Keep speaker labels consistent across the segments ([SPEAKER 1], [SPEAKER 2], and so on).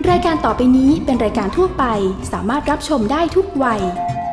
[SPEAKER 1] รายการต่อไปนี้เป็นรายการทั่วไปสามารถรับชมได้ทุกวัย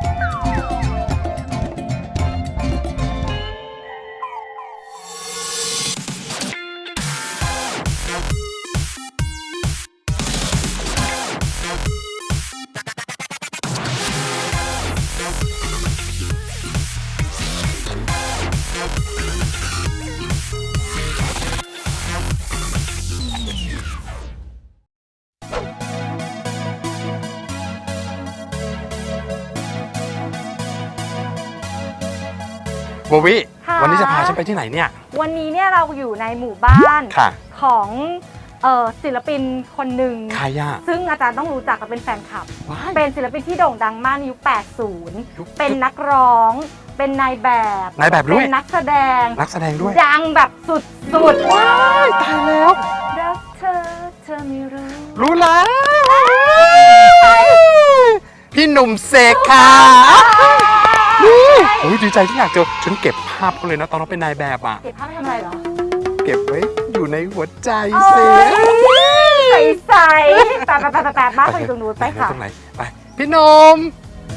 [SPEAKER 2] โบวิ
[SPEAKER 3] ค่ะ
[SPEAKER 2] วันนี้จะพาฉันไปที่ไหนเนี่ย
[SPEAKER 3] วันนี้เนี่ยเราอยู่ในหมู่บ้าน
[SPEAKER 2] ค่ะ
[SPEAKER 3] ของศิลปินคนหนึ่ง
[SPEAKER 2] ใครอ่ะ
[SPEAKER 3] ซึ่งอาจารย์ต้องรู้จักและเป็นแฟนคลับ
[SPEAKER 2] ว้าย
[SPEAKER 3] เป็นศิลปินที่โด่งดังมากในยุค
[SPEAKER 2] ยุค
[SPEAKER 3] 80 เป็นนักร้อง เป็นนายแบบ
[SPEAKER 2] นายแบบด้วย
[SPEAKER 3] เป็นนักแสดง
[SPEAKER 2] นักแสดงด้วย
[SPEAKER 3] ดังแบบสุดๆ
[SPEAKER 2] ว้ายตายแล้ว
[SPEAKER 3] รักเธอไม่รู้
[SPEAKER 2] รู้แล้วพี่หนุ่มเสกค่ะโอ้ยดีใจที่อยากเจอฉันเก็บภาพเขาเลยนะตอนเราเป็นนายแบบอ่ะ
[SPEAKER 3] เก็บภาพไปทำอะไรเหรอ
[SPEAKER 2] เก็บไว้อยู่ในหัวใจ
[SPEAKER 3] โอ้
[SPEAKER 2] เส
[SPEAKER 3] ย
[SPEAKER 2] ก
[SPEAKER 3] ใสๆแปะบ้านเขาอยู่ตรงนู้นไปค่ะ
[SPEAKER 2] ตรงไหนไปพี่หนุ่ม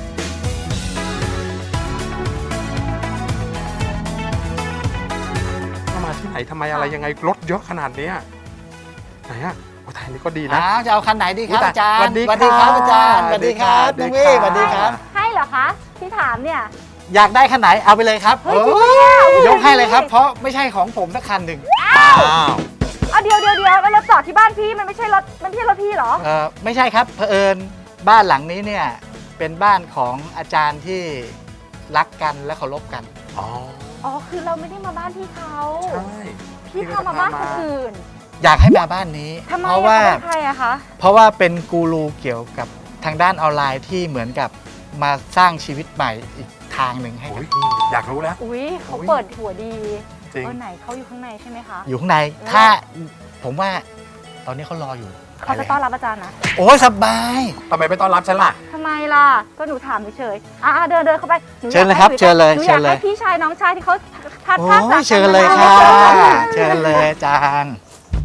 [SPEAKER 2] มาที่ไหนทำไมอะไรยังไงรถเยอะขนาดเนี้ยไหนอ่ะโอ้ทายนี่ก็ดีนะ
[SPEAKER 4] จะเอาคันไหนดีครับ
[SPEAKER 2] อุ๊ย
[SPEAKER 4] อาจารย์
[SPEAKER 2] สวัสดี
[SPEAKER 4] ครับอาจารย์
[SPEAKER 2] ค่ะ
[SPEAKER 4] สวัสดีครับ
[SPEAKER 2] สวั
[SPEAKER 4] น้
[SPEAKER 2] ส
[SPEAKER 4] อง
[SPEAKER 2] ดี
[SPEAKER 4] วี่
[SPEAKER 2] ค่ะ
[SPEAKER 4] สวัสดีครับ
[SPEAKER 3] ให้เหรอคะที่ถามเนี่ย
[SPEAKER 4] อยากได้คันไหนเอาไปเลยครับ
[SPEAKER 3] เฮ้ยจริงปะเนี่ย
[SPEAKER 4] ยกให้เลยครับ เพราะไม่ใช่ของผมสักคันหนึ่ง
[SPEAKER 2] อ้าว
[SPEAKER 3] เอาเดี๋ยวแล้วรถจอดที่บ้านพี่มันไม่ใช่รถพี่เหรอ
[SPEAKER 4] ไม่ใช่ครับเผอิญบ้านหลังนี้เนี่ยเป็นบ้านของอาจารย์ที่รักกันและเคารพกัน
[SPEAKER 2] อ๋อ
[SPEAKER 3] อ๋อคือเราไม่ได้มาบ้านพี่เขา
[SPEAKER 2] ใช่
[SPEAKER 3] พี่พามาบ้านคนอื่น
[SPEAKER 4] อยากให้มาบ้านนี้
[SPEAKER 3] ทำไม
[SPEAKER 4] เพราะว่า
[SPEAKER 3] เขาเป็นใครอะคะ
[SPEAKER 4] เพราะว่าเป็นกูรูเกี่ยวกับทางด้านออนไลน์ที่เหมือนกับมาสร้างชีวิตใหม่อีกทางหนึ่งให้
[SPEAKER 2] โอ้
[SPEAKER 4] กับ
[SPEAKER 2] ยอยากรู้แล้ว
[SPEAKER 3] อุ้ยเขา
[SPEAKER 2] อุ๊ย
[SPEAKER 3] เปิดหัวดี
[SPEAKER 2] จริง
[SPEAKER 3] ไหนเขาอยู่ข้างในใช่ไหมคะ
[SPEAKER 4] อยู่ข้างในถ้าผมว่าตอนนี้เขารออยู่
[SPEAKER 3] เขาจะต้อนรับอาจารย์นะ
[SPEAKER 4] โอ้ยสบาย
[SPEAKER 2] ทำไมไม่ต้อนรับฉันล่ะ
[SPEAKER 3] ทำไมล่ะก็หนูถามเฉยๆเดินเข้าไปหนูอยาก
[SPEAKER 4] เชิญเลยครับ
[SPEAKER 3] ให้
[SPEAKER 4] เชิญเลย
[SPEAKER 3] หนูอ
[SPEAKER 4] เชิ
[SPEAKER 3] ยาก
[SPEAKER 4] ญเลย
[SPEAKER 3] ให้พี่ชายน้องชายที่เขาพัด
[SPEAKER 4] โอ้
[SPEAKER 3] พลาดจาก
[SPEAKER 4] ยเชิญเลย
[SPEAKER 3] กัน
[SPEAKER 4] ค่ะ
[SPEAKER 3] มา
[SPEAKER 4] เชิญเลยอาจารย์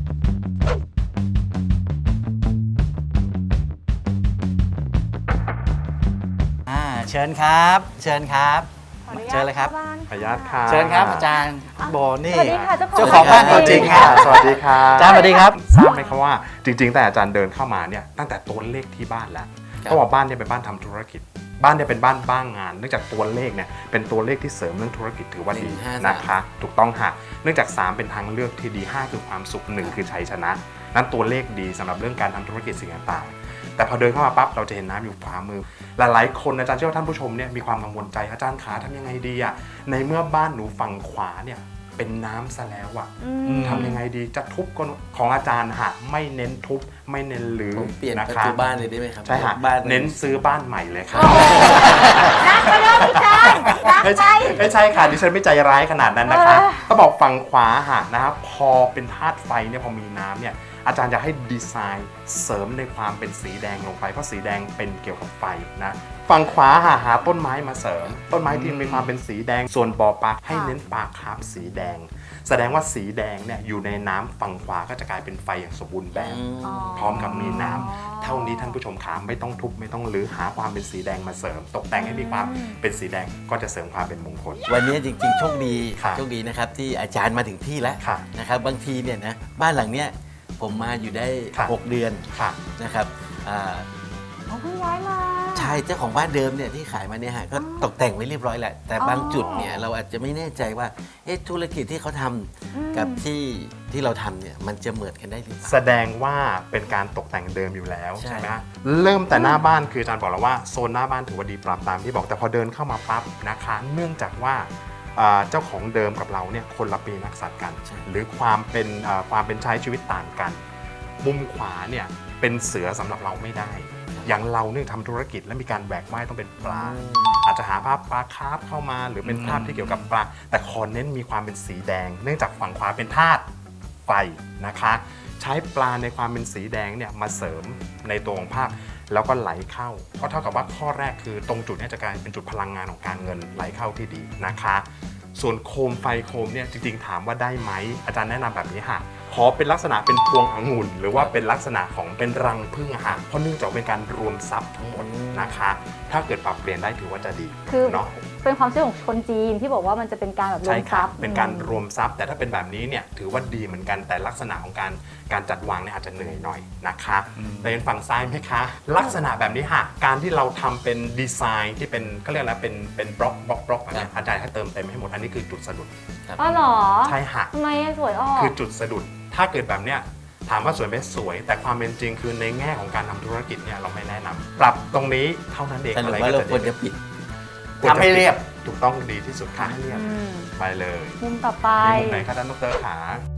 [SPEAKER 4] เชิญครับ เชิญครับ
[SPEAKER 3] ขออนุญาต
[SPEAKER 4] เชิญเลยครับ
[SPEAKER 3] ข้าาน
[SPEAKER 2] ขออนุญาตค่ะ
[SPEAKER 4] เชิญครับอาจารย์โบนี่
[SPEAKER 3] สวัสดีค่ะ
[SPEAKER 4] เจ้าของบ้านตัวจริงค่ะ
[SPEAKER 2] สวัสดีค่ะ
[SPEAKER 4] อาจารย์สวัสดีครับ
[SPEAKER 2] ทราบไหมครับว่าจริงๆแต่อาจารย์เดินเข้ามาเนี่ยตั้งแต่ตัวเลขที่บ้านแล้วเพราะว่าบ้านเนี่ยเป็นบ้านทำธุรกิจ บ้านเนี่ยเป็นบ้านบ้างงานเนื่องจากตัวเลขเนี่ยเป็นตัวเลขที่เสริมเรื่องธุรกิจถือว่าดี
[SPEAKER 4] 153
[SPEAKER 2] นะคะถูกต้องค่ะเนื่องจาก 3 เป็นทางเลือกที่ดี 5 คือความสุข 1 คือชัยชนะนั้นตัวเลขดีสำหรับเรื่องการทำธุรกิจสิ่งต่างๆแต่พอเดินเข้ามาปั๊บเราจะเห็นน้ำอยู่ขวามือหลายๆคนอาจารย์เชื่อว่าท่านผู้ชมเนี่ยมีความกังวลใจอาจารย์ขาทำยังไงดีอะในเมื่อบ้านหนูฝั่งขวาเนี่ยเป็นน้ำซะแล้วอะ
[SPEAKER 3] อืม
[SPEAKER 2] ทำยังไงดีจะทุบก็ของอาจารย์หะไม่เน้นทุบไม่เน้นรื้อ
[SPEAKER 5] ผมเปลี่ยน
[SPEAKER 2] นะ
[SPEAKER 5] ประ
[SPEAKER 2] คะ
[SPEAKER 5] ตูบ้านเลยได้ไหมครับ
[SPEAKER 2] ใช่ฮะ
[SPEAKER 5] บ้าน
[SPEAKER 2] เน้นซื้อบ้านใหม่เลยค่ะ
[SPEAKER 3] นักไปเริ่มพี่จานนัก
[SPEAKER 2] ไม่
[SPEAKER 3] ไป
[SPEAKER 2] ใช่ไม่ใช่ค่ะดิฉันไม่ใจร้ายขนาดนั้นนะคะ
[SPEAKER 3] เออ
[SPEAKER 2] ก็บอกฝั่งขวาหะนะครับพอเป็นธาตุไฟเนี่ยพอมีน้ำเนี่ยอาจารย์อยากให้ดีไซน์เสริมในความเป็นสีแดงลงไปเพราะสีแดงเป็นเกี่ยวกับไฟนะฝั่งขวาหาต้นไม้มาเสริม ต้นไม้ที่มีความเป็นสีแดงส่วนบ่อปลาให้เน้นปลาคาร์ฟสีแดง แสดงว่าสีแดงเนี่ยอยู่ในน้ำฝั่งขวาก็จะกลายเป็นไฟอย่างสมบูรณ์แบบ พร้อมกับมีน้ำเท่านี้ท่านผู้ชมขาไม่ต้องทุบไม่ต้องรื้อหาความเป็นสีแดงมาเสริม ตกแต่งให้มีความเป็นสีแดงก็จะเสริมความเป็นมงคล
[SPEAKER 5] วันนี้จริงๆ โชคดี
[SPEAKER 2] ครับ
[SPEAKER 5] โชคดีนะครับที่อาจารย์มาถึงที่แล้ว
[SPEAKER 2] ค่ะ
[SPEAKER 5] นะครับบางทีเนี่ยนะบ้านหลังเนี้ยผมมาอยู่ได้
[SPEAKER 2] ค่ะ
[SPEAKER 5] 6 เดือน
[SPEAKER 2] ค่ะ
[SPEAKER 5] นะครับอ่า
[SPEAKER 3] เขาเพิ่งย้ายมา
[SPEAKER 5] ชายเจ้าของบ้านเดิมเนี่ยที่ขายมาเนี่ยฮะก็ตกแต่งไว้เรียบร้อยแหละแต่บางจุดเนี่ยเราอาจจะไม่แน่ใจว่าธุรกิจที่เขาทำกับที่เราทำเนี่ยมันจะเหมือนกันได้หรือเปล่า
[SPEAKER 2] แสดงว่าเป็นการตกแต่งเดิมอยู่แล้ว
[SPEAKER 5] ใช่
[SPEAKER 2] ใช่ไหมฮะเริ่มแต่หน้าบ้านคืออาจารย์บอกแล้วว่าโซนหน้าบ้านถือว่าดีปรับตามที่บอกแต่พอเดินเข้ามาปั๊บนะคะเนื่องจากว่าเจ้าของเดิมกับเราเนี่ยคนละปีนักสัตว์กัน หรือความเป็นใช้ชีวิตต่างกัน มุมขวาเนี่ยเป็นเสือสำหรับเราไม่ได้ อย่างเราเนี่ยทำธุรกิจและมีการแหวกว่ายต้องเป็นปลา อาจจะหาภาพปลาคาร์ฟเข้ามา หรือเป็นภาพที่เกี่ยวกับปลาแต่ขอเน้นมีความเป็นสีแดง เนื่องจากฝั่งขวาเป็นธาตุไฟนะคะ ใช้ปลาในความเป็นสีแดงเนี่ยมาเสริมในตัวของภาพแล้วก็ไหลเข้าก็เท่ากับว่าข้อแรกคือตรงจุดเนี้จะกลายเป็นจุดพลังงานของการเงินไหลเข้าที่ดีนะคะ ส่วนโคมไฟโคมเนี่ยจริงๆถามว่าได้ไหมอาจารย์แนะนำแบบนี้ค่ะขอเป็นลักษณะเป็นพวงองุ่นหรือว่าเป็นลักษณะของเป็นรังผึ้งอะฮะเพราะเนื่องจากเป็นการรวมทรัพย์ทั้งหมดนะคะ ถ้าเกิดปรับเปลี่ยนได้ถือว่าจะดี
[SPEAKER 3] คือ
[SPEAKER 2] เนาะ
[SPEAKER 3] เป็นความเชื่อของคนจีนที่บอกว่ามันจะเป็นการแบบรว
[SPEAKER 2] ใช่
[SPEAKER 3] ม
[SPEAKER 2] ค
[SPEAKER 3] ท
[SPEAKER 2] รั
[SPEAKER 3] รั
[SPEAKER 2] บ
[SPEAKER 3] พย์
[SPEAKER 2] เป็นการรวมทรัพย์แต่ถ้าเป็นแบบนี้เนี่ยถือว่าดีเหมือนกันแต่ลักษณะของการจัดวางเนี่ยอาจจะเหนื่อยหน่อยนะคะแต่เป็นฝั่งซ้ายไหมคะ ลักษณะแบบนี้ค่ะการที่เราทำเป็นดีไซน์ที่เป็นก็เรียกอะไรเป็นบล็อกแบบนี้อาจารย์ให้เติมเต็มให้หมดอันนี้คือจุดสะดุด
[SPEAKER 3] อ๋อเหรอ
[SPEAKER 2] ใช่ค่ะ
[SPEAKER 3] ทำไมสวยออก
[SPEAKER 2] คือจุดสะดุดถ้าเกิดแบบเนี้ยถามว่าสวยไหมสวย แต่ความเป็นจริงคือในแง่ของการทำธุรกิจเนี่ยเราไม่แนะนำปรับตรงนี้เท่านั้นเอง
[SPEAKER 5] สรุ
[SPEAKER 2] อะ
[SPEAKER 5] ป
[SPEAKER 2] ไร
[SPEAKER 5] ว่า
[SPEAKER 2] ก็
[SPEAKER 5] เรา
[SPEAKER 2] จะ
[SPEAKER 5] ควร
[SPEAKER 2] ดี
[SPEAKER 5] จะปิด
[SPEAKER 2] ควจะ
[SPEAKER 4] ทำให้เรียบ
[SPEAKER 2] ถูกต้องดีที่สุดค่ะให้เรียบ
[SPEAKER 3] อืม
[SPEAKER 2] ไปเลย
[SPEAKER 3] มุมต่อไป
[SPEAKER 2] มีมุมไหนคะท่านดรขา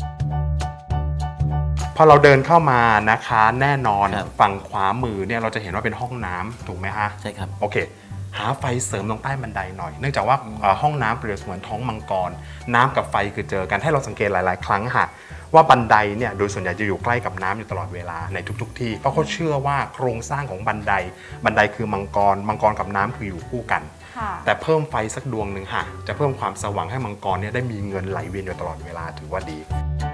[SPEAKER 2] พอเราเดินเข้ามานะคะแน่นอน
[SPEAKER 5] ครับ
[SPEAKER 2] ฝั่งขวามือเนี่ยเราจะเห็นว่าเป็นห้องน้ำถูกไหมฮะ
[SPEAKER 5] ใช่ครับ
[SPEAKER 2] โอเค หาไฟเสริมตรงใต้บันไดหน่อย เนื่องจากว่าห้องน้ำเปรียบเสมือนท้องมังกร น้ำกับไฟคือเจอกันให้เราสังเกตหลาย ๆ ครั้งค่ะว่าบันไดเนี่ยโดยส่วนใหญ่จะอยู่ใกล้กับน้ำอยู่ตลอดเวลาในทุก ๆ ที่เพราะเขาเชื่อว่าโครงสร้างของบันไดคือมังกรกับน้ำคืออยู่คู่กัน
[SPEAKER 3] ค่ะ
[SPEAKER 2] แต่เพิ่มไฟสักดวงหนึ่งค่ะจะเพิ่มความสว่างให้มังกรเนี่ยได้มีเงินไหลเวียนอยู่ตลอดเวลาถือว่าดี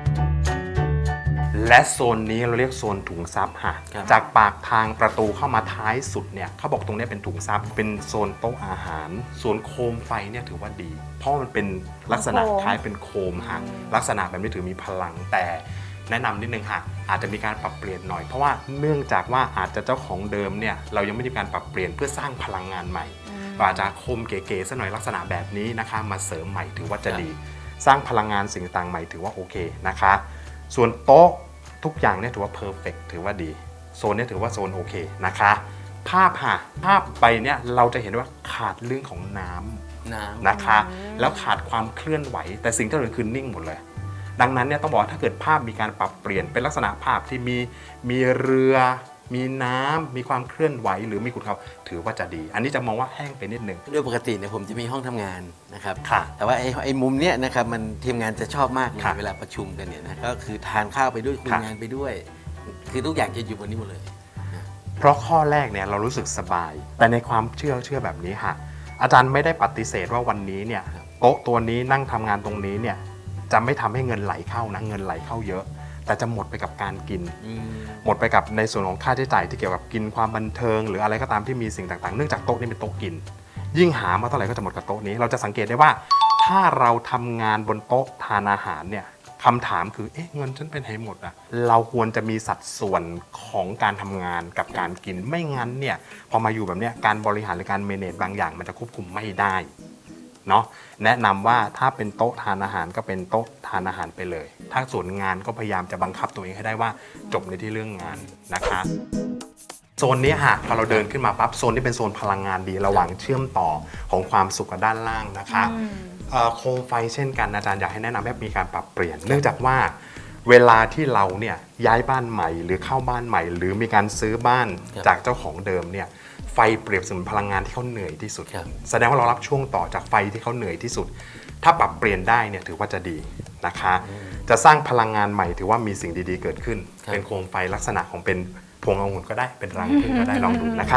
[SPEAKER 2] และโซนนี้เราเรียกโซนถุงทรัพย์ค่ะ
[SPEAKER 5] ครับ
[SPEAKER 2] จากปากทางประตูเข้ามาท้ายสุดเนี่ยเขาบอกตรงนี้เป็นถุงทรัพย์เป็นโซนโต๊ะอาหารส่วนโคมไฟเนี่ยถือว่าดี เพราะมันเป็นลักษณะ
[SPEAKER 3] โคม
[SPEAKER 2] คล้ายเป็นโคมค่ะลักษณะแบบนี้ถือมีพลังแต่แนะนำนิดนึงค่ะอาจจะมีการปรับเปลี่ยนหน่อยเพราะว่าเนื่องจากว่าอาจจะเจ้าของเดิมเนี่ยเรายังไม่ได้มีการปรับเปลี่ยนเพื่อสร้างพลังงานใหม่ก็อาจจะโคมเก๋ๆซะหน่อยลักษณะแบบนี้นะคะมาเสริมใหม่ถือว่าจะดี สร้างพลังงานสิ่งต่างใหม่ถือว่าโอเคนะคะส่วนโต๊ะทุกอย่างเนี่ยถือว่าเพอร์เฟกถือว่าดีโซนเนี่ยถือว่าโซนโอเคนะคะภาพไปเนี่ยเราจะเห็นว่าขาดเรื่องของน้ำนะคะแล้วขาดความเคลื่อนไหวแต่สิ่งที่เราเห็นคือนิ่งหมดเลยดังนั้นเนี่ยต้องบอกว่าถ้าเกิดภาพมีการปรับเปลี่ยนเป็นลักษณะภาพที่มีเรือมีน้ำมีความเคลื่อนไหวหรือมีขุนเขาถือว่าจะดี อันนี้จะมองว่าแห้งไปนิดนึง
[SPEAKER 5] โดยปกติเนี่ยผมจะมีห้องทำงานนะครับ
[SPEAKER 2] ค่ะ
[SPEAKER 5] แต่ว่าไอ้มุมเนี้ยนะครับมันทีมงานจะชอบมากเลย
[SPEAKER 2] ค่ะ
[SPEAKER 5] เวลาประชุมกันเนี่ยนะก็คือทานข้าวไปด้วยคุย
[SPEAKER 2] ค่ะ
[SPEAKER 5] งานไปด้วย คือทุกอย่างจะอยู่บนนี้หมดเลย
[SPEAKER 2] เพราะข้อแรกเนี่ยเรารู้สึกสบาย แต่ในความเชื่อแบบนี้ค่ะอาจารย์ไม่ได้ปฏิเสธว่าวันนี้เนี่ยโต๊ะตัวนี้นั่งทำงานตรงนี้เนี่ยจะไม่ทำให้เงินไหลเข้านะเงินไหลเข้าเยอะ แต่จะหมดไปกับการกิน หมดไปกับในส่วนของค่าใช้จ่ายที่เกี่ยวกับกินความบันเทิง หรืออะไรก็ตามที่มีสิ่งต่างๆเนื่องจากโต๊ะนี้เป็นโต๊ะกิน ยิ่งหามาเท่าไหร่ก็จะหมดกับโต๊ะนี้เราจะสังเกตได้ว่าถ้าเราทำงานบนโต๊ะทานอาหารเนี่ยคำถามคือเอ๊ะเงินฉันเป็นไหนหมดอะเราควรจะมีสัดส่วนของการทำงานกับการกินไม่งั้นเนี่ยพอมาอยู่แบบเนี้ยการบริหารหรือการเมเนจบางอย่างมันจะควบคุมไม่ได้เนาะแนะนำว่าถ้าเป็นโต๊ะทานอาหารก็เป็นโต๊ะทานอาหารไปเลย ถ้าส่วนงานก็พยายามจะบังคับตัวเองให้ได้ว่าจบในที่เรื่องงานนะคะ โซนนี้ค่ะพอเราเดินขึ้นมาปั๊บโซนนี้เป็นโซนพลังงานดีระหว่างเชื่อมต่อของความสุขกับด้านล่างนะคะโคมไฟเช่นกันอาจารย์อยากให้แนะนำให้มีการปรับเปลี่ยน เนื่องจากว่าเวลาที่เราเนี่ยย้ายบ้านใหม่หรือเข้าบ้านใหม่ หรือมีการซื้อบ้าน
[SPEAKER 5] ครับ
[SPEAKER 2] จากเจ้าของเดิมเนี่ยไฟเปรียบเสมือนพลังงานที่เขาเหนื่อยที่สุด
[SPEAKER 5] ครับ
[SPEAKER 2] แสดงว่าเรารับช่วงต่อจากไฟที่เขาเหนื่อยที่สุด ถ้าปรับเปลี่ยนได้เนี่ยถือว่าจะดีนะคะ จะสร้างพลังงานใหม่ถือว่ามีสิ่งดีๆเกิดขึ้น
[SPEAKER 5] ครับ
[SPEAKER 2] เป็นโคมไฟลักษณะของเป็นพวงองุ่นก็ได้เป็นรังผึ้งก็ได้ลองดูนะคะ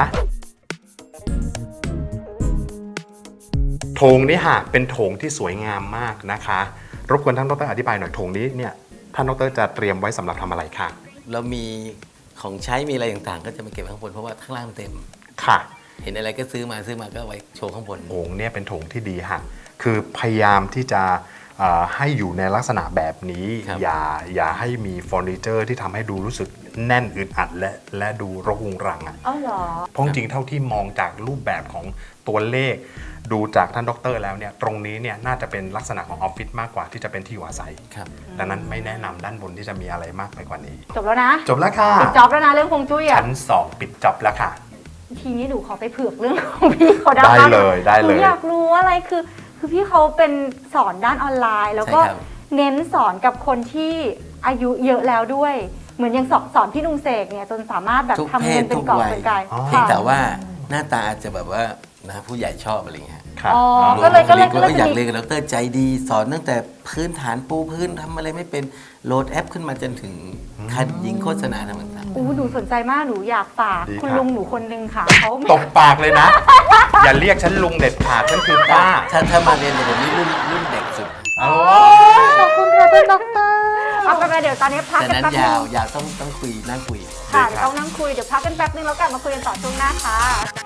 [SPEAKER 2] โถงนี้ค่ะเป็นโถงที่สวยงามมากนะคะ รบกวนท่านดรอธิบายหน่อยโถงนี้เนี่ยท่านดรจะเตรียมไว้สำหรับทำอะไรค่ะ
[SPEAKER 5] เรามีของใช้มีอะไรต่างๆ ก็จะมาเก็บไว้ข้างบนเพราะว่าข้างล่างมันเต็ม
[SPEAKER 2] ค่ะ
[SPEAKER 5] เห็นอะไรก็ซื้อมาก็เอาไว้โชว์ข้างบน
[SPEAKER 2] โถงเนี่ยเป็นโถงที่ดีค่ะคือพยายามที่จะให้อยู่ในลักษณะแบบนี้
[SPEAKER 5] ครับ
[SPEAKER 2] อย่าให้มีเฟอร์นิเจอร์ที่ทำให้ดูรู้สึกแน่นอึดอัดและดูรกรุงรังอ่ะ
[SPEAKER 3] เอ้าเหรอ
[SPEAKER 2] เพราะจริงๆเท่าที่มองจากรูปแบบของตัวเลข ดูจากท่านดรแล้วเนี่ยตรงนี้เนี่ยน่าจะเป็นลักษณะของออฟฟิศมากกว่าที่จะเป็นที่อยู่อาศัย
[SPEAKER 5] ครับ
[SPEAKER 2] ดังนั้นไม่แนะนำด้านบนที่จะมีอะไรมากไปกว่านี้
[SPEAKER 3] จบแล้วนะ
[SPEAKER 2] จบแล้วค่ะ
[SPEAKER 3] ปิดจ็อบแล้วนะเรื่องฮวงจุ้ยอ่ะ
[SPEAKER 2] ชั้น2ปิดจ็อบแล้วค่ะ
[SPEAKER 3] ทีนี้หนูขอไปเผือกเรื่องของพี่เขาได้
[SPEAKER 2] ได้เลยได้เลย
[SPEAKER 3] หนูอยากรู้อะไรคือพี่เขาเป็นสอนด้านออนไลน์ แล้วก็
[SPEAKER 5] ใช่ครับ
[SPEAKER 3] เน้นสอนกับคนที่อายุเยอะแล้วด้วย เหมือนยังสอนพี่ลุงเสกเนี่ยจนสามารถแบบ
[SPEAKER 5] ทุก
[SPEAKER 3] ทำเงินเป็นกอบเป็นกาย
[SPEAKER 2] อ๋อ
[SPEAKER 5] เพียง
[SPEAKER 3] ค่ะ
[SPEAKER 5] แต่ว่าหน้าตาอาจจะแบบว่านะผู้ใหญ่ชอบอะไรอย่างเงี้ย
[SPEAKER 2] ค่ะ
[SPEAKER 3] อ๋อ
[SPEAKER 2] อ๋อ
[SPEAKER 3] ก็เลย
[SPEAKER 5] ก็อยาก
[SPEAKER 3] จะ
[SPEAKER 5] เรีย
[SPEAKER 3] มี
[SPEAKER 5] นกับดรใจดี สอนตั้งแต่พื้นฐานปูพื้นทำอะไรไม่เป็นโหลดแอปขึ้นมาจนถึงคัดยิงโฆษณาทำต่าง
[SPEAKER 3] อู้หนูสนใจมากหนูอยากฝาก
[SPEAKER 2] ดี
[SPEAKER 3] คุณ
[SPEAKER 2] ครับ
[SPEAKER 3] ลุงหนูคนนึงค่ะเขา
[SPEAKER 2] ตบปากเลยนะ อย่าเรียกฉันลุงเด็ดขาดฉันคือป้า
[SPEAKER 5] ๆถ้ามาเรียนกับผมนี่รุ่นเด็กสุด
[SPEAKER 2] โอ้
[SPEAKER 3] ขอบคุณค่ะท่านด็อกเตอร์พักกันไปเดี๋ยวตอนนี้พัก
[SPEAKER 5] แต่
[SPEAKER 3] กัน
[SPEAKER 5] นั้น
[SPEAKER 3] แป๊บนึ
[SPEAKER 5] ยาว
[SPEAKER 3] ง
[SPEAKER 5] ยาวต้องคุยนั่งคุย
[SPEAKER 3] ค่ะเดี๋ยวต้องนั่งคุยเดี๋ยวพักกันแป๊บนึงแล้วกลับมาคุยกันต่อช่วงหน้าค่ะ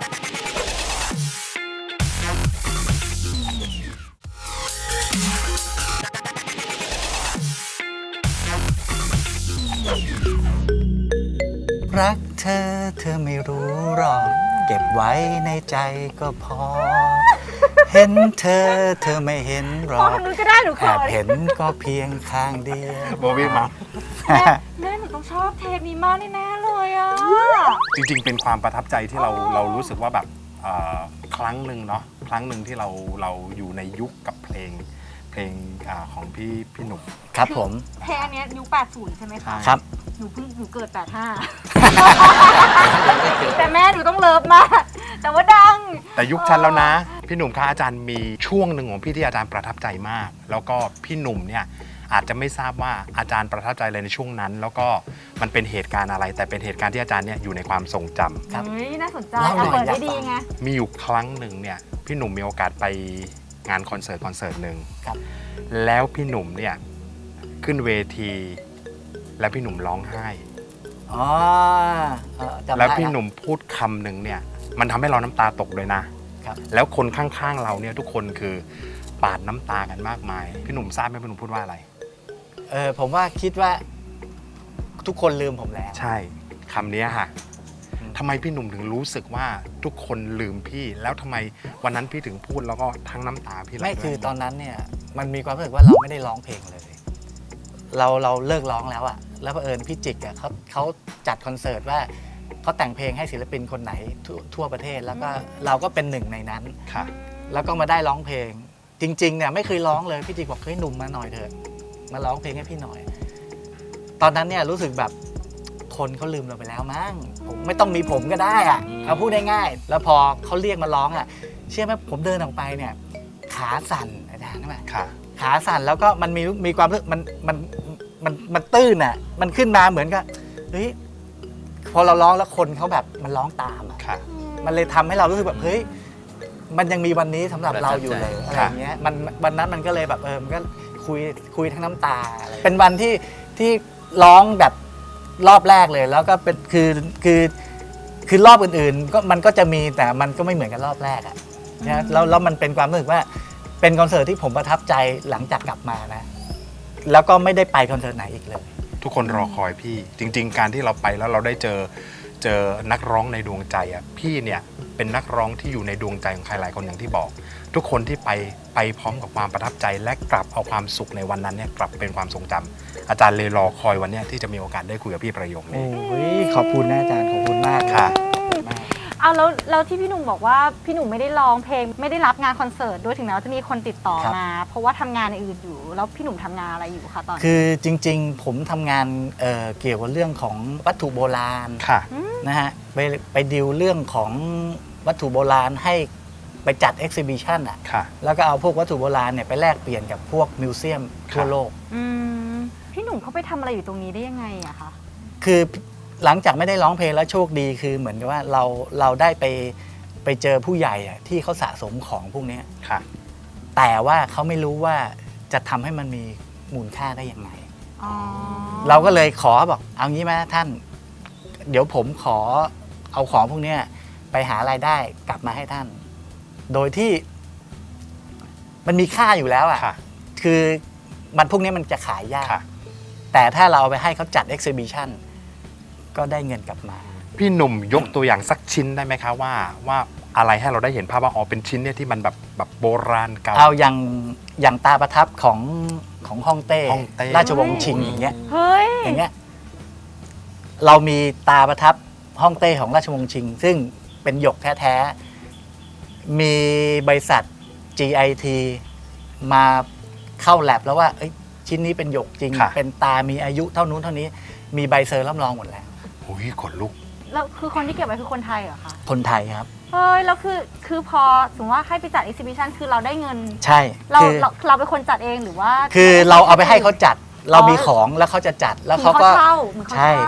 [SPEAKER 4] รักเธอเธอไม่รู้หรอกเก็บไว้ในใจก็พอ เห็นเธอเธอไม่เห็นหร
[SPEAKER 3] พอ
[SPEAKER 4] อก
[SPEAKER 3] ทางนู้นก็ได้หนูข
[SPEAKER 4] แอ
[SPEAKER 3] อบ
[SPEAKER 4] เห็นก็เพียงข้างเดียว
[SPEAKER 2] โบวี่มา
[SPEAKER 3] แม่หนูต้องชอบเทปนี้มากแน่ๆเลยอ่ะ
[SPEAKER 2] จริงๆ เป็นความประทับใจที่เรารู้สึกว่าแบบครั้งหนึ่งเนาะครั้งหนึ่งที่เราอยู่ในยุคกับเพลงของพี่หนุ่ม
[SPEAKER 4] ครับผม
[SPEAKER 3] เพลงอันเนี้ยยุค80 ใช่ไหมคะ
[SPEAKER 4] ครับ
[SPEAKER 3] หนูเกิด 85 แต่แม่หนูต้องเลิฟมาก แต่ว่าดัง
[SPEAKER 2] แต่ยุคฉันแล้วนะ พี่หนุ่มคะอาจารย์มีช่วงหนึ่งของพี่ที่อาจารย์ประทับใจมาก แล้วก็พี่หนุ่มเนี่ยอาจจะไม่ทราบว่าอาจารย์ประทับใจอะไรในช่วงนั้น แล้วก็มันเป็นเหตุการณ์อะไร แต่เป็นเหตุการณ์ที่อาจารย์เนี่ยอยู่ในความทรงจำ
[SPEAKER 4] ครับ
[SPEAKER 3] เฮ้ย น่าสนใจ
[SPEAKER 4] เล่าหน่อย
[SPEAKER 3] เปิด
[SPEAKER 4] อยาก
[SPEAKER 3] ได้ดี
[SPEAKER 4] ฟัง
[SPEAKER 3] ไง
[SPEAKER 2] มีอยู่ครั้งหนึ่งเนี่ยพี่หนุ่มมีโอกาสไปงานคอนเสิร์ตหนึ่ง
[SPEAKER 4] ครับ
[SPEAKER 2] แล้วพี่หนุ่มเนี่ยขึ้นเวที แล้วพี่หนุ่มร้องไห้
[SPEAKER 4] อ๋อจำได้
[SPEAKER 2] แล้วพี่หนุ่มพูดคำหนึ่งเนี่ยมันทำให้เราน้ำตาตกเลยนะ
[SPEAKER 4] ครับ
[SPEAKER 2] แล้วคนข้างๆเราเนี่ยทุกคนคือปาดน้ำตากันมากมายพี่หนุ่มทราบไหมพี่หนุ่มพูดว่าอะไร
[SPEAKER 4] ผมว่าคิดว่าทุกคนลืมผมแล้ว
[SPEAKER 2] ใช่คำนี้ค่ะทำไมพี่หนุ่มถึงรู้สึกว่าทุกคนลืมพี่ แล้วทำไมวันนั้นพี่ถึงพูดแล้วก็ทั้งน้ำตาพี่ไหล
[SPEAKER 4] ไม่
[SPEAKER 2] ด้วย
[SPEAKER 4] คือตอนนั้นเนี่ยมันมีความรู้สึกว่าเราไม่ได้ร้องเพลงเลย เราเลิกร้องแล้วอะแล้วเผอิญพี่จิกอะเขาจัดคอนเสิร์ตว่าเขาแต่งเพลงให้ศิลปินคนไหนทั่วประเทศ แล้วก็เราก็เป็นหนึ่งในนั้น
[SPEAKER 2] ค่ะ
[SPEAKER 4] แล้วก็มาได้ร้องเพลง จริงๆเนี่ยไม่เคยร้องเลยพี่จิกบอกเฮ้ยหนุ่มมาหน่อยเถอะมาร้องเพลงให้พี่หน่อย ตอนนั้นเนี่ยรู้สึกแบบคนเขาลืมเราไปแล้วมั้งผมไม่ต้องมีผมก็ได้อะเอาพูดง่ายๆแล้วพอเขาเรียกมาร้องอะเชื่อไหมผมเดินออกไปเนี่ยขาสั่นอาจารย์ใช่ไหม
[SPEAKER 2] ค่ะ
[SPEAKER 4] ขาสั่นแล้วก็มันมีความรู้สึกมันตื้นอ่ะมันขึ้นมาเหมือนกับเฮ้ยพอเราร้องแล้วคนเขาแบบมันร้องตามอ่ะ
[SPEAKER 2] ค่ะ
[SPEAKER 4] มันเลยทำให้เรารู้สึกแบบเฮ้ยมันยังมีวันนี้สำหรับเราอยู่เลย
[SPEAKER 5] ประทับใจ
[SPEAKER 4] อะไรอย่างเงี้ยมันวันนั้นมันก็เลยแบบมันก็คุยทั้งน้ำตาอะไรเป็นวันที่ร้องแบบรอบแรกเลย แล้วก็เป็นคือรอบอื่นๆก็มันก็จะมีแต่มันก็ไม่เหมือนกันรอบแรกอ่ะนะแล้วมันเป็นความรู้สึกว่าเป็นคอนเสิร์ตที่ผมประทับใจหลังจากกลับมานะแล้วก็ไม่ได้ไปคอนเสิร์ตไหนอีกเลย
[SPEAKER 2] ทุกคนรอคอยพี่ จริง ๆ การที่เราไปแล้วเราได้เจอนักร้องในดวงใจอ่ะพี่เนี่ยเป็นนักร้องที่อยู่ในดวงใจของใครหลายคนอย่างที่บอก ทุกคนที่ไปพร้อมกับความประทับใจและกลับเอาความสุขในวันนั้นเนี่ยกลับเป็นความทรงจำอาจารย์เลยรอคอยวันเนี้ยที่จะมีโอกาสได้คุยกับพี่ประโยคนี้
[SPEAKER 4] โอ้ยขอบคุณนะอาจารย์ขอบคุณมาก
[SPEAKER 2] ค่ะ
[SPEAKER 3] เอาแล้วที่พี่หนุ่มบอกว่าพี่หนุ่มไม่ได้ร้องเพลงไม่ได้รับงานคอนเสิร์ตด้วยถึงแม้ว่าจะมีคนติดต่อมา เพราะว่าทำงานอื่นอยู่แล้วพี่หนุ่มทำงานอะไรอยู่คะตอนนี้
[SPEAKER 4] คือจริงๆผมทำงานเกี่ยวกับเรื่องของวัตถุโบราณ
[SPEAKER 2] ค่ะ
[SPEAKER 4] นะฮะไปดิวเรื่องของวัตถุโบราณให้ไปจัดเอ็กซิบิชันอ่ะ
[SPEAKER 2] ค่ะ
[SPEAKER 4] แล้วก็เอาพวกวัตถุโบราณเนี่ยไปแลกเปลี่ยนกับพวกมิวเซียมทั่วโลก
[SPEAKER 3] พี่หนุ่มเขาไปทำอะไรอยู่ตรงนี้ได้ยังไงอะคะ
[SPEAKER 4] คือหลังจากไม่ได้ร้องเพลงแล้วโชคดีคือเหมือนกับว่าเราได้ไปเจอผู้ใหญ่อะที่เขาสะสมของพวกนี้
[SPEAKER 2] ค่ะ
[SPEAKER 4] แต่ว่าเขาไม่รู้ว่าจะทำให้มันมีมูลค่าได้ยังไง
[SPEAKER 3] อ๋อ
[SPEAKER 4] เราก็เลยขอบอกเอางี้ไหมท่าน เดี๋ยวผมขอเอาของพวกนี้ไปหารายได้กลับมาให้ท่าน โดยที่มันมีค่าอยู่แล้วอ่ะ
[SPEAKER 2] ค่ะ
[SPEAKER 4] คือมันพวกนี้มันจะขายยาก
[SPEAKER 2] ค่ะ
[SPEAKER 4] แต่ถ้าเราเอาไปให้เขาจัดเอ็กซิบิชันก็ได้เงินกลับมา
[SPEAKER 2] พี่หนุ่มยกตัวอย่างสักชิ้นได้ไหมคะว่าอะไรให้เราได้เห็นภาพว่าอ๋อเป็นชิ้นเนี่ยที่มันแบบโบราณเก่า
[SPEAKER 4] เอาอย่างตาประทับของฮ่องเต้
[SPEAKER 2] ฮ่องเต้
[SPEAKER 4] ราชวงศ์ชิงอย่างเงี้ย
[SPEAKER 3] เฮ้ย
[SPEAKER 4] อย่างเงี้ยเรามีตาประทับฮ่องเต้ของราชวงศ์ชิง ซึ่งเป็นหยกแท้ๆมีบริษัท GIT มาเข้าแลบแล้วว่าชิ้นนี้เป็นหยกจริง
[SPEAKER 2] ค่ะ
[SPEAKER 4] เป็นตามีอายุเท่านู้นเท่านี้มีใบเซอร์รับรองหมดแล้ว
[SPEAKER 2] โอ้ยขนลุก
[SPEAKER 3] แล้วคือคนที่เก็บไว้คือคนไทยเหรอคะ
[SPEAKER 4] คนไทยครับ
[SPEAKER 3] เฮ้ยแล้วคือพอสมมติว่าให้ไปจัดเอ็กซิบิชันคือเราได้เงิน
[SPEAKER 4] ใช่
[SPEAKER 3] เรา
[SPEAKER 4] คือ
[SPEAKER 3] เราเป็นคนจัดเองหรือว่า
[SPEAKER 4] คือเราเอาไปให้เขาจัด เรามีของแล้วเขาจะจัดแล้วเขาก็
[SPEAKER 3] เช่าเหมือนเขา
[SPEAKER 4] ใช่
[SPEAKER 3] เช่า